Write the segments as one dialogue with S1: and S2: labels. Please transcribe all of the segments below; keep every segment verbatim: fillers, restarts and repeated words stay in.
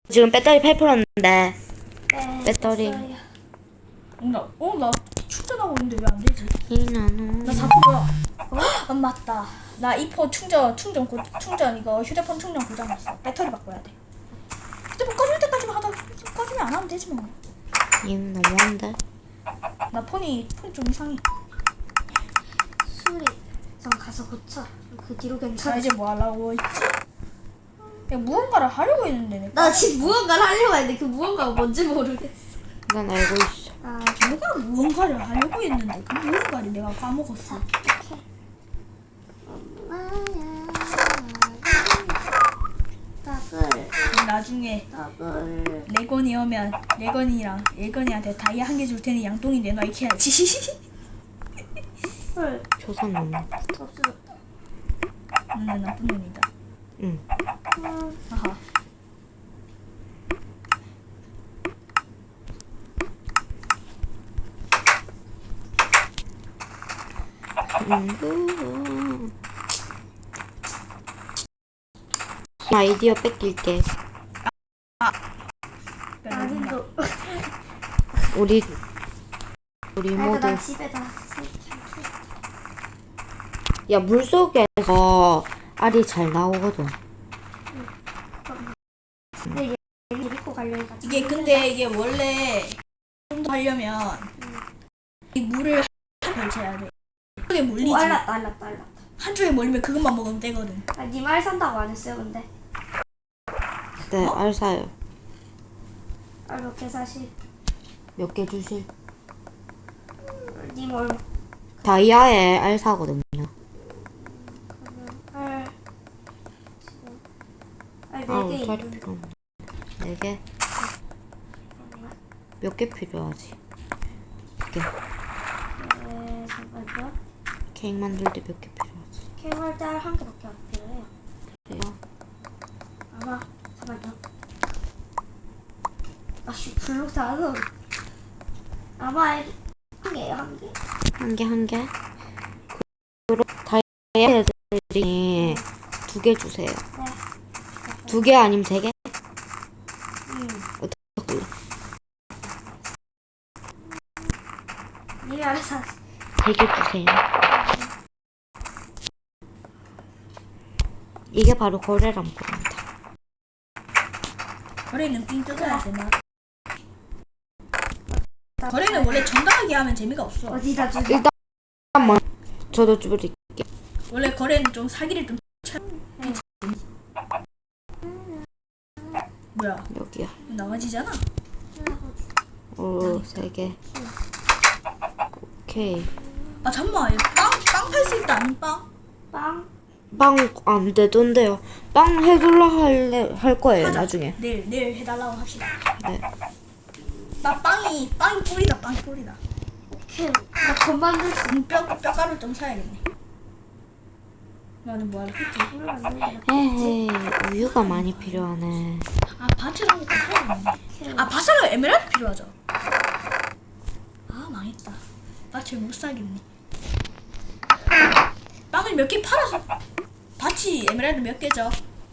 S1: 지금 배터리 팔 퍼센트인데 배터리
S2: 나, 어, 나 충전하고 있는데 왜 안 되지?
S1: 이나노
S2: 나 사 퍼센트야. 어? 안 맞다. 나 이 퍼센트 충전, 충전, 고, 충전 이거 휴대폰 충전 고장났어. 배터리 바꿔야 돼. 휴대폰 꺼질 때까지만 하다 꺼지면 안 하면 되지 뭐.
S1: 님 너무한데?
S2: 나 폰이, 폰이 좀 이상해.
S3: 수리 전 가서 고쳐. 그 뒤로
S2: 나
S3: 괜찮아.
S2: 이제 뭐 하려고 했지? 야, 무언가를 하려고 했는데 내가.
S3: 나 지금 무언가를 하려고 했는데 그 무언가가 뭔지 모르겠어.
S1: 난 알고 있어.
S3: 아,
S2: 내가 무언가를 하려고 했는데 그 무언가를 내가 까먹었어.
S3: 엄마야. 답을
S2: 나중에
S3: 답을
S2: 레건이 오면 레건이랑 레건이한테 다이아 한 개 줄 테니 양동이 내놔 이렇게 해야지.
S3: 헐
S1: 조선 놈.
S3: 없어졌다.
S2: 너는 나쁜 놈이다.
S1: 응.
S3: 음,
S2: 아하.
S1: 음. 아이디어 뺏길게.
S3: 아직도
S1: 우리 우리
S3: 아이고
S1: 모두
S3: 나 집에 다
S1: 야 물속에서 알이 잘 나오거든.
S3: 근데 얘 데리고 가려 해가지고
S2: 이게 근데 이게 원래 좀 더 하려면 이 물을 한 걸쳐야 돼. 한쪽에 몰리지.
S3: 오, 알랐다 알랐다 알랐다.
S2: 한쪽에 몰리면 그것만 먹으면 되거든.
S3: 아, 님알 산다고 안 했어요 근데?
S1: 네, 알 사요.
S3: 알 몇 개 사실?
S1: 몇 개 주실?
S3: 님 얼마?
S1: 다이아에 알 사거든요.
S3: 알 지금
S1: 아,
S3: 알네 개
S1: 울타리
S3: 있는데.
S1: 필요 없네. 네 개? 몇 개 필요하지? 몇 개.
S3: 네, 잠깐만요.
S1: 케이크 만들 때 몇 개 필요하지?
S3: 케이크할 때 한 개밖에 안 필요해요.
S1: 그래요?
S3: 아마 잠깐만요. 아씨 블록 다 넣어. 아마 한 개예요 한 개.
S1: 한 개, 한 개? 그럼 다이아 애들이 두 개 주세요.
S3: 네.
S1: 두 개 아니면 세 개?
S3: 음.
S1: 어떻게 할래?
S3: 님이 알아서 하시-
S1: 세 개 주세요. 이게 바로 거래란 겁니다.
S2: 거래는 삥 뜯어야 되나? 거래는 원래 정당하게 하면 재미가 없어.
S3: 어디다 주지?
S1: 일단 먼 저도 줄일게.
S2: 원래 거래는 좀 사기를 좀 쳐. 뭐야?
S1: 여기야.
S2: 나가지잖아.
S1: 오, 세 개. 오케이.
S2: 아 잠깐만, 빵빵 팔 수 있다 아닌 빵?
S3: 빵?
S1: 빵 안 되던데요. 빵 해줄라 할래 할 거예요
S2: 하자.
S1: 나중에.
S2: 내일 내일 해달라고 합시다.
S1: 네.
S2: 나 빵이 빵이 꿀이다 빵이 꿀이다.
S3: 오케이. 나 건만들 수
S2: 음, 뼈 뼈가루 좀 사야겠네. 나는 뭐하러 했지?
S3: 있는 만들면
S1: 에헤이 우유가 많이 필요하네.
S2: 아 바트랑 것도 사야겠네. 아 바사로 에메랄드 필요하죠. 아 망했다. 바트를 못 사겠네. 빵을 몇 개 팔아서 바치 에메랄드 몇 개죠?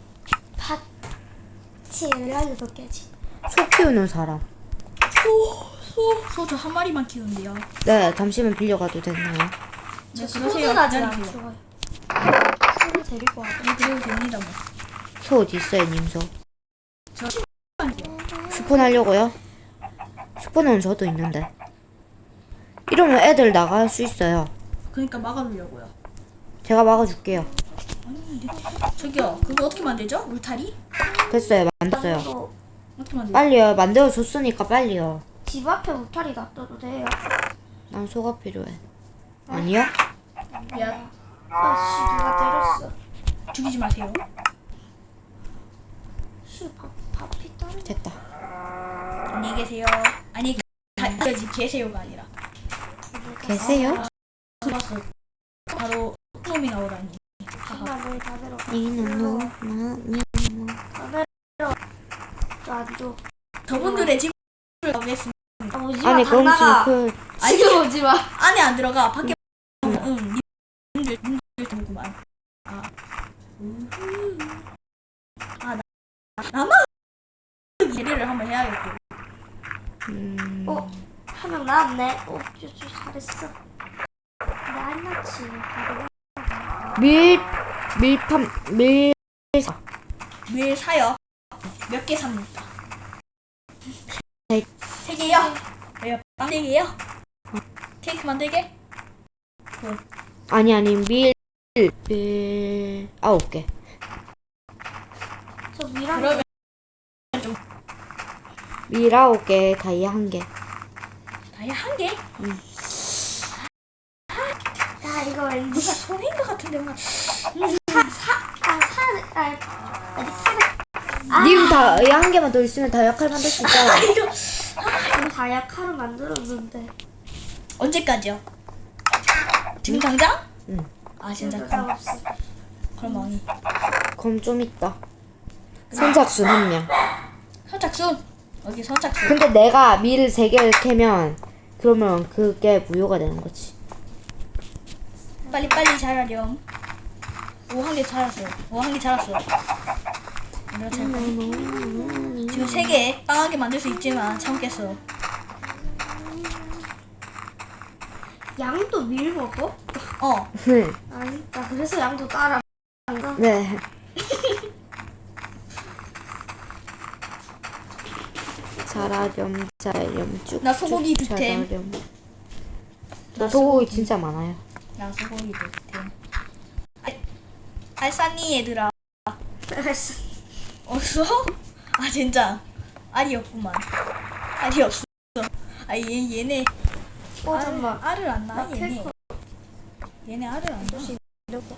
S3: 파치 연락이 몇 개지?
S1: 소 키우는 사람.
S2: 소소소 저 한 마리만 키우는데요.
S1: 네 잠시만 빌려가도 되나요?
S2: 네
S3: 저
S2: 그러세요.
S3: 소는 아직 안
S2: 기다리세요.
S3: 키워요. 소를 데리고 와도
S2: 네 그래도 됩니다 뭐.
S1: 소 어디 있어요 님소?
S2: 저
S1: 스폰 하려고요? 스폰은 저도 있는데. 이러면 애들 나갈 수 있어요.
S2: 그러니까 막아두려고요.
S1: 제가 막아줄게요.
S2: 아니 이게 저기요 그거 어떻게 만들죠? 울타리?
S1: 됐어요 만들었어요.
S3: 또
S2: 어떻게 만들죠?
S1: 빨리요 만들어줬으니까 빨리요.
S3: 집 앞에 울타리 놔둬도 돼요.
S1: 난 소가 필요해. 아니요?
S2: 야
S3: 아씨 누가 때렸어.
S2: 죽이지 마세요.
S3: 씨 밥, 밥이 따로.
S1: 됐다.
S2: 안녕히 계세요. 아니 가지 계세요가 아니라.
S1: 계세요?
S2: 들었어. 바로 놈이 나오다니.
S3: 엄마를 다 들어.
S1: 이놈 나니
S3: 다 들어. 저안 줘.
S2: 저분들의 집을 가보겠습니다.
S3: 아, 오지 마.
S1: 아니 그럼
S3: 나가.
S1: 지금
S3: 지금 오지 마.
S2: 안에 안 들어가. 밖에 응. 님들 님들 보구만. 아. 우후. 아 나, 나만 그 예리를 한번 해야겠고.
S1: 음.
S3: 어, 한 명 나왔네. 어, 쭈쭈 잘했어. 나안 났지. 바로.
S1: 밀 밀팜 밀
S2: 밀 사요. 몇 개 삽니까?
S1: 세-
S2: 세 개요? 왜요? 빵 네 개요? 케이크 만들게? 굿.
S1: 아니 아니 밀 밀 아홉 개.
S3: 저 미랑.
S2: 그러면
S1: 밀 아홉 개, 다이아 한 개.
S2: 다이아 한 개?
S3: 야, 이거 왠지.
S2: 누가 손해인 것 같은데 뭔가.
S3: 사, 사, 아, 사, 아, 아직 사를.
S1: 님 다이아 한 개만 더 있으면 다이아 칼 만들 수 있잖아.
S2: 이거
S3: 지금 다이아카를 만들었는데.
S2: 언제까지요? 지금 당장?
S1: 응.
S2: 아 진짜
S3: 나
S2: 그럼
S3: 없어.
S2: 그럼 왕이.
S1: 그럼 좀 있다. 선착순 한 명.
S2: 선착순. 여기 선착순.
S1: 근데 내가 밀을 세 개를 캐면 그러면 그게 무효가 되는 거지.
S2: 빨리 빨리 자라렴. 오 한 개 자랐어. 오 한 개 자랐어. 얼마나 잘 거야? 지금 세 개 빵하게 만들 수 있지만 참겠어.
S3: 양도 밀 먹어?
S2: 어.
S1: 네.
S3: 아니, 나 그래서 양도 따라. 한다.
S1: 네. 자라렴 자라렴 쭉.
S2: 나 소고기
S1: 쭉
S2: 득템.
S1: 자라렴.
S2: 나
S1: 저 소고기 진짜 많아요.
S2: 나 소고기 득템. 알 알싸니 얘들아.
S3: 알았어.
S2: 없어? 아 진짜 알이 없구만. 알이 없어. 아 얘 얘네
S3: 어,
S2: 알,
S3: 잠깐만.
S2: 알을 안 낳아
S3: 나
S2: 얘네.
S3: 케이크.
S2: 얘네 알을 안 낳아.
S3: 이렇게.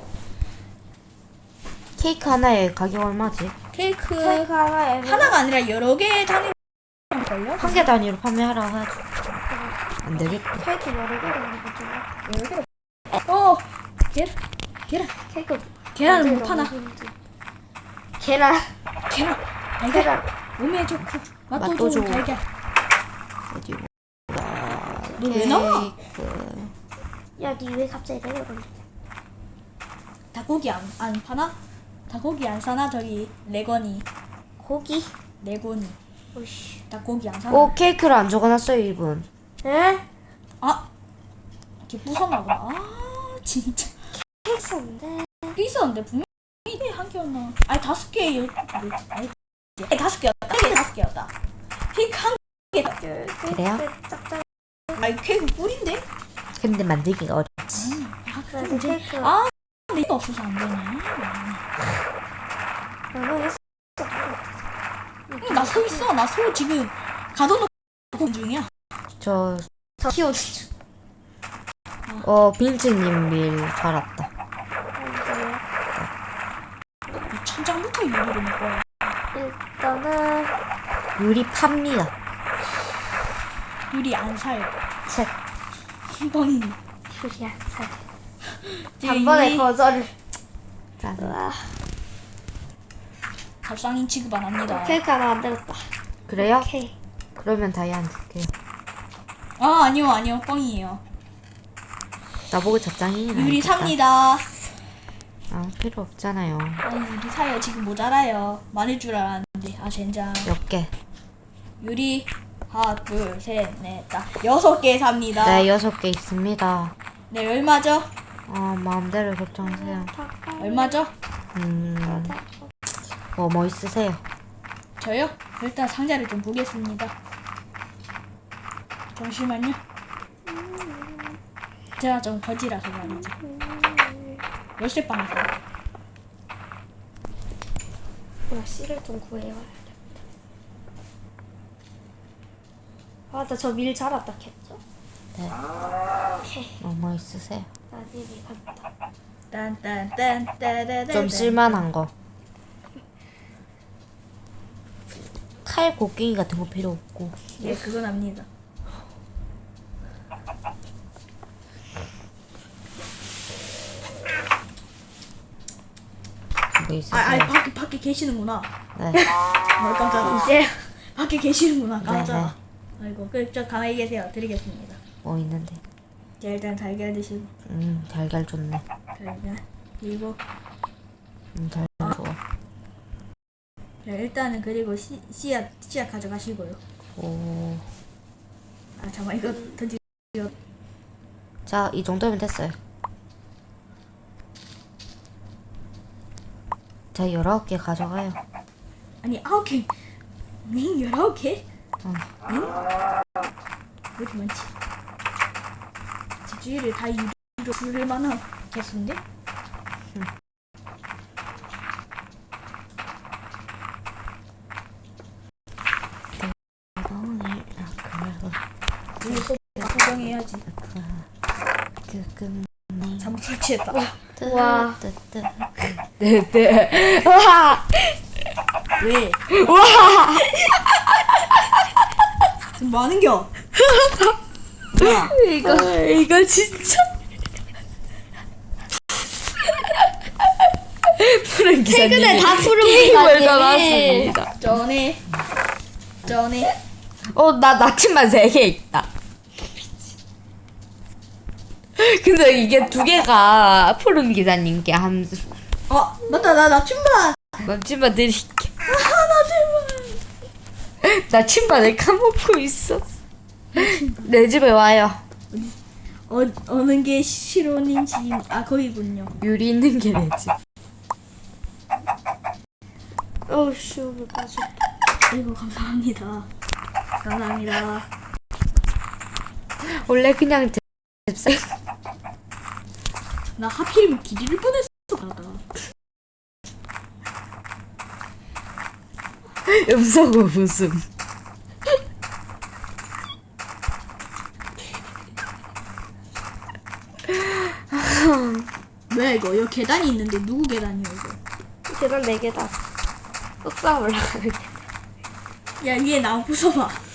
S1: 케이크 하나에 가격 얼마지?
S2: 케이크
S3: 케이크 하나에.
S2: 하나가 아니라 여러 개 단위로 걸려?
S1: 한 개 단위로 판매하라고 해야죠. 안 되겠다.
S3: 케이크 여러 개를 먹어가지고.
S2: 여러 개로. 어 계란 계란
S3: 케이크.
S2: 계란을 못
S3: 만들기
S2: 파나?
S3: 너무 힘들어. 계란.
S2: 계란 달걀
S3: 계란.
S2: 몸에 좋고 맛도,
S1: 맛도
S2: 좋은
S1: 좋고.
S2: 달걀.
S1: 어디
S2: 너 왜 나와?
S1: 케이크.
S3: 야, 니 왜 갑자기 내려가냐?
S2: 닭고기 안, 안 파나? 닭고기 안 사나? 저기 레건이
S3: 고기?
S2: 레곤이
S3: 오씨.
S2: 닭고기 안 사나?
S1: 오 케이크를 안 적어놨어요 이분.
S3: 에?
S2: 아 이렇게 부쉈나 보다. 아 진짜
S3: 케이크 샀는데.
S2: 꽤 있었는데 분명히 한 개였나? 아니 다섯 개였 아니 아니, 다섯 개였다. 케이크 다섯 개였다. 케이크 한 개.
S1: 그래요?
S3: 짭짤.
S2: 아니 케이크 꿀인데?
S1: 근데 만들기가 어렵지.
S2: 아
S3: 그래서
S2: 그래 이제
S3: 케이크.
S2: 아 근데 이거 없어서 안 되냐?
S3: 나는 했어.
S2: 응, 나 소 있어. 나 소 지금 가둬놓고 본 중이야.
S1: 저
S3: 더 키워주죠.
S1: 어, 빈츠님 밀 살았다.
S2: 이 천장부터 유리를 먹어야.
S3: 일단은
S1: 유리 팝니다.
S2: 유리 안 사요.
S1: 책.
S2: 뻥이니.
S3: 휴리야 살.
S2: 이제
S3: 단번에
S2: 유리
S3: 거절을.
S1: 짠.
S3: 와.
S2: 밥상인 취급 안 합니다.
S3: 케이크 하나 만들었다.
S1: 그래요?
S3: 오케이.
S1: 그러면 다이아 안 줄게요.
S2: 아 아니요 아니요 뻥이에요.
S1: 나보고 적당히.
S2: 유리 삽니다.
S1: 아, 필요 없잖아요.
S2: 아니 유리 사요. 지금 모자라요. 많을 줄 알았는데 아 젠장.
S1: 몇 개?
S2: 유리 하나 둘셋넷 다 여섯 개 삽니다.
S1: 네, 여섯 개 있습니다.
S2: 네 얼마죠?
S1: 어, 마음대로 결정하세요.
S2: 얼마죠?
S1: 음, 뭐, 뭐 있으세요?
S2: 저요? 일단 상자를 좀 보겠습니다. 잠시만요. 제가 좀 거지라서 말이죠. 열쇠방에서.
S3: 나 씨를 좀 구해요. 아, 나 저 밀 자랐다 캤죠?
S1: 네.
S3: 오케이.
S1: 뭐, 뭐 있으세요?
S3: 나 님이 간다.
S2: 딴딴딴따다다.
S1: 좀 쓸만한 거. 칼 곡괭이 같은 거 필요 없고.
S2: 예, 그건 압니다.
S1: 뭐
S2: 아,
S1: 있으세요?
S2: 아, 밖에 밖에 계시는구나.
S1: 네.
S2: 아, 깜짝이야.
S3: 이제
S2: 밖에 계시는구나. 깜짝아.
S1: 네,
S2: 아이고, 그저 가만히 계세요. 드리겠습니다.
S1: 뭐 있는데?
S2: 자, 일단 달걀 드시고
S1: 음, 달걀 좋네.
S2: 달걀 그리고
S1: 음, 달걀 좋아.
S2: 네, 일단은 그리고 씨, 씨앗 씨앗 가져가시고요.
S1: 오.
S2: 아 잠깐 이거 던지.
S1: 자, 이 정도면 됐어요. 자, 열아홉 개 가져가요.
S2: 아니 아홉 개. 응 열아홉 개?
S1: 응.
S2: 응? 왜 이렇게 많지? 집주위를 다 유리로 부를 만한 개수인데? 위에서 구경해야지. 잘못 설치했다.
S3: 와.
S1: 네네. 와.
S2: 왜?
S1: 와.
S2: 지금 뭐 하는겨? 뭐야?
S1: 이거 이거 진짜. 푸른 기사님.
S3: 최근에 다 푸른
S1: 게임을
S3: 기사님이.
S1: 떠났습니다.
S2: 전에 전에
S1: 어, 나 나침반 세 개 있다. 근데 이게 두 개가 푸른 기사님께 한
S2: 어 맞다 나 나춤반.
S1: 나침반 드릴게. 나침반을 까먹고 있어. 내 집에 와요.
S2: 어 어느 게 시로님지 아 거기군요.
S1: 유리 있는 게 내 집.
S3: 어우 씨 오늘 빠져.
S2: 아이고 감사합니다. 감사합니다.
S1: 원래 그냥 잽싸.
S2: 나 하필이면 기지를 뻔했어. 가다가.
S1: 음성 웃음.
S2: 뭐야 이거? 여기 계단이 있는데 누구 계단이야 이거?
S3: 계단 네 개다. 옥상 올라가야 돼.
S2: 야 위에 나무 부숴봐.